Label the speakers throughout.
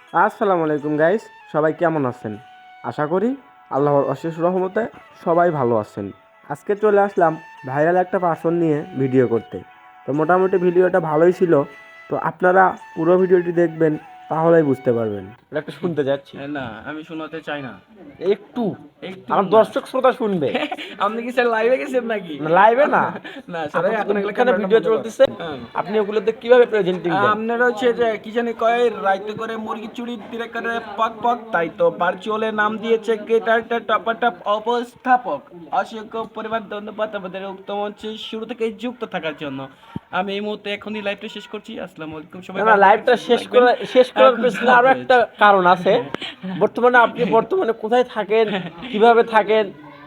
Speaker 1: আসসালামু আলাইকুম গাইস, সবাই কেমন আছেন? আশা করি আল্লাহর অশেষ রহমতে সবাই ভালো আছেন। আজকে চলে আসলাম ভাইরাল একটা পার্সন নিয়ে ভিডিও করতে। তো মোটামুটি ভিডিওটা ভালোই ছিল। তো আপনারা পুরো ভিডিওটি দেখবেন, তাহলেই বুঝতে পারবেন। এটা একটা শুনতে যাচ্ছি।
Speaker 2: না, আমি শোনাতে চাই না।
Speaker 1: একটু
Speaker 2: একটু
Speaker 1: আমার
Speaker 2: না।
Speaker 1: দর্শক শ্রোতা শুনবে।
Speaker 2: আপনি কি স্যার লাইভে গেছেন নাকি?
Speaker 1: লাইভে না,
Speaker 2: না স্যার, এখন এগুলো
Speaker 1: এখানে
Speaker 2: ক্যামেরাটা
Speaker 1: ভিডিও
Speaker 2: বন্ধ করেন।
Speaker 1: চলতেছে,
Speaker 2: হ্যাঁ।
Speaker 1: আপনি ওগুলোতে কিভাবে প্রেজেন্টিং দেন?
Speaker 2: আপনারা হচ্ছে যে কি জানি কয় রাইতে করে মুরগি চুরি দিলে করে পক পক, তাই তো ভার্চুয়ালের নাম দিয়েছে গেটারটা টপাটপ অবস্থাপক। অসংখ্য পরিবার ধন্যবাদ আমাদের উক্ত মঞ্চে শুরু থেকে যুক্ত থাকার জন্য। আমি এই মুহূর্তে এখনই লাইভটা শেষ করছি। আসসালামু আলাইকুম, সবাই
Speaker 1: না,
Speaker 2: ভালো
Speaker 1: লাইভটা
Speaker 2: থাকবেন,
Speaker 1: শেষ
Speaker 2: থাকবেন।
Speaker 1: করার
Speaker 2: খুদা
Speaker 1: পেছনে আরো
Speaker 2: হাফেজ।
Speaker 1: একটা কারণ আছে। আপনি বর্তমানে কোথায় থাকেন, কিভাবে থাকেন?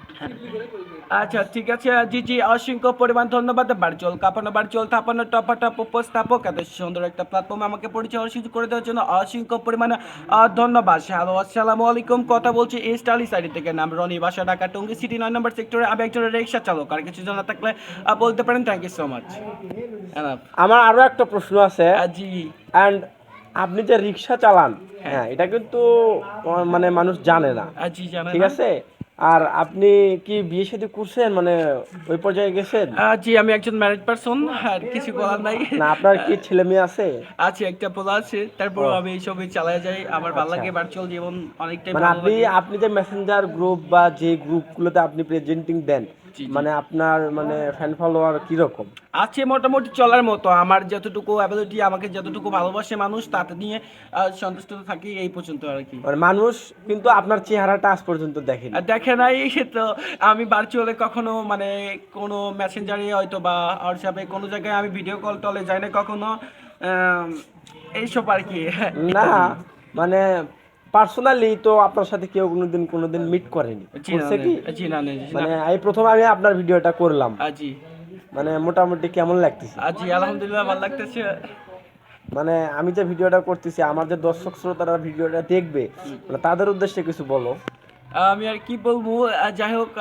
Speaker 2: আচ্ছা ঠিক আছে, জি জি, অসংখ্য পরিমাণ ধন্যবাদ। ভার্চুয়াল থাপানো টপাটপ উপস্থাপক এত সুন্দর একটা প্ল্যাটফর্মে আমাকে পরিচয় সুযোগ করে দেওয়ার জন্য অসংখ্য পরিমাণে ধন্যবাদ। হ্যালো, আসসালামু আলাইকুম, কথা বলছি ইস্ট আলি সাইড থেকে। নাম রনি, বাসা ঢাকা টঙ্গী সিটি 9 নম্বর সেক্টরে। আমি একজন রিক্সা চালক। আর কিছু জানা থাকলে বলতে পারেন। Thank you so much.
Speaker 1: আমার আরো একটা প্রশ্ন আছে।
Speaker 2: জি।
Speaker 1: অ্যান্ড আপনি যে রিক্সা চালান,
Speaker 2: হ্যাঁ।
Speaker 1: হ্যাঁ, এটা কিন্তু মানে মানুষ জানে না,
Speaker 2: জি, জানে
Speaker 1: ঠিক
Speaker 2: না।
Speaker 1: আছে? আর আপনি কি বিয়ে শাদী করছেন, মানে ওই পর্যায়ে গেছেন?
Speaker 2: জি, আমি একজন ম্যারিড পারসন। আর কিছু বলার নাই।
Speaker 1: না, আপনার কি ছেলে মেয়ে আছে?
Speaker 2: আছে, একটা পোলা আছে। তারপর
Speaker 1: ও,
Speaker 2: আমি এইসবই চালায় যাই। আমার ভালো
Speaker 1: আচ্ছা।
Speaker 2: লাগে, ভার্চুয়াল জীবন অনেকটাই
Speaker 1: মানে
Speaker 2: ভালো
Speaker 1: আপনি
Speaker 2: লাগে।
Speaker 1: আপনি যে মেসেঞ্জার গ্রুপ বা যে গ্রুপগুলোতে আপনি প্রেজেন্টিং দেন,
Speaker 2: জি জি।
Speaker 1: মানে আপনার মানে ফ্যান ফলোয়ার কিরকম?
Speaker 2: আছে মোটামুটি চলার মতো। আমার যতটুকু অ্যাবিলিটি, আমাকে যতটুকু ভালোবাসে মানুষ, তাতে নিয়ে সন্তুষ্ট থাকি, এই পর্যন্ত আর কি।
Speaker 1: মানে মানুষ কিন্তু আপনার চেহারাটা আজ পর্যন্ত দেখেনি।
Speaker 2: আর দেখে নাই তো। আমি ভার্চুয়ালে কখনো মানে কোনো মেসেঞ্জারে হয়তো বা হোয়াটসঅ্যাপে কোনো জায়গায় আমি ভিডিও কল টলে যাই না কখনো। আম, এইসব আর কি।
Speaker 1: না,
Speaker 2: ইত্যাদি।
Speaker 1: মানে পার্সোনালি তো আপনার সাথে কেউ কোনোদিন মিট করেনি,
Speaker 2: জি না,
Speaker 1: করছে কি?
Speaker 2: জি না, জি না।
Speaker 1: মানে এই প্রথম আমি আপনার ভিডিওটা করলাম,
Speaker 2: জি।
Speaker 1: মানে মোটামুটি কেমন লাগতেছে?
Speaker 2: জি, আলহামদুলিল্লাহ, ভালো লাগতেছে।
Speaker 1: মানে আমি যে ভিডিওটা করতেছি, আমার যে দর্শক শ্রোতারা ভিডিওটা দেখবে, মানে তাদের উদ্দেশ্যে কিছু বলো।
Speaker 2: আমি আর কি বলবো, যাই হোক,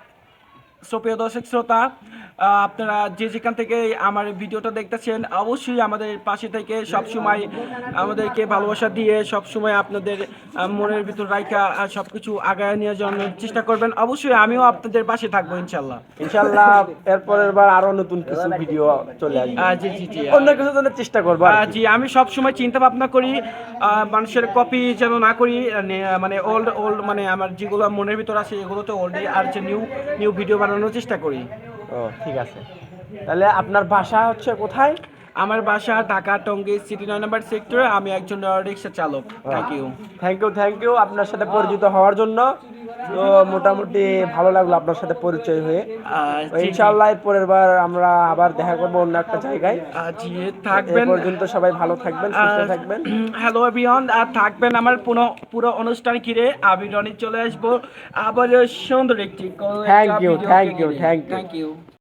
Speaker 2: সুপ্রিয় দর্শক শ্রোতা, আপনারা যে যেখান থেকে আমার ভিডিওটা দেখতেছেন, অবশ্যই আমাদের পাশে থেকে সবসময় আমাদেরকে ভালোবাসা দিয়ে সবসময় আপনাদের মনের ভিতর রাইখা সব কিছু আগায় নিয়ে যাওয়ার চেষ্টা করবেন। অবশ্যই আমিও আপনাদের পাশে থাকবো, ইনশাল্লাহ।
Speaker 1: ইনশাল্লাহ এরপরের বার আরো নতুন কিছু ভিডিও চলে আসবে,
Speaker 2: জি জি জি।
Speaker 1: অন্য কিছু জন্য চেষ্টা করবো আর কি।
Speaker 2: জি, আমি সব সময় চিন্তা ভাবনা করি মানুষের কপি যেন না করি। মানে ওল্ড ওল্ড, মানে আমার যেগুলো মনের ভিতর আছে এগুলো তো ওল্ডই, আর যে নিউ নিউ ভিডিও বানানোর চেষ্টা করি।
Speaker 1: ও, ঠিক আছে। তাহলে আপনার বাসা হচ্ছে কোথায়?
Speaker 2: আমার বাসা ঢাকা টঙ্গী সিটি 9 নম্বর সেক্টরে। আমি একজন রিক্সা চালক। Thank you.
Speaker 1: থ্যাংক ইউ আপনার সাথে পরিচিত হওয়ার জন্য। তো মোটামুটি ভালো লাগলো আপনার সাথে পরিচয় হয়ে। তো
Speaker 2: জি জি।
Speaker 1: ইনশাআল্লাহ পরের বার আমরা আবার দেখা করবো অন্য একটা জায়গায়।
Speaker 2: জি,
Speaker 1: এই
Speaker 2: থাকবেন।
Speaker 1: পর্যন্ত সবাই ভালো থাকবেন, সুস্থ থাকবেন।
Speaker 2: হ্যালো এভরিওয়ান, আর থাকবেন আমার পুরো পুরো অনুষ্ঠান ঘিরে। আমি রনি চলে আসবো আবার সুন্দর একটি
Speaker 1: thank you
Speaker 2: video
Speaker 1: thank you
Speaker 2: নিয়ে।
Speaker 1: Thank you
Speaker 2: thank you.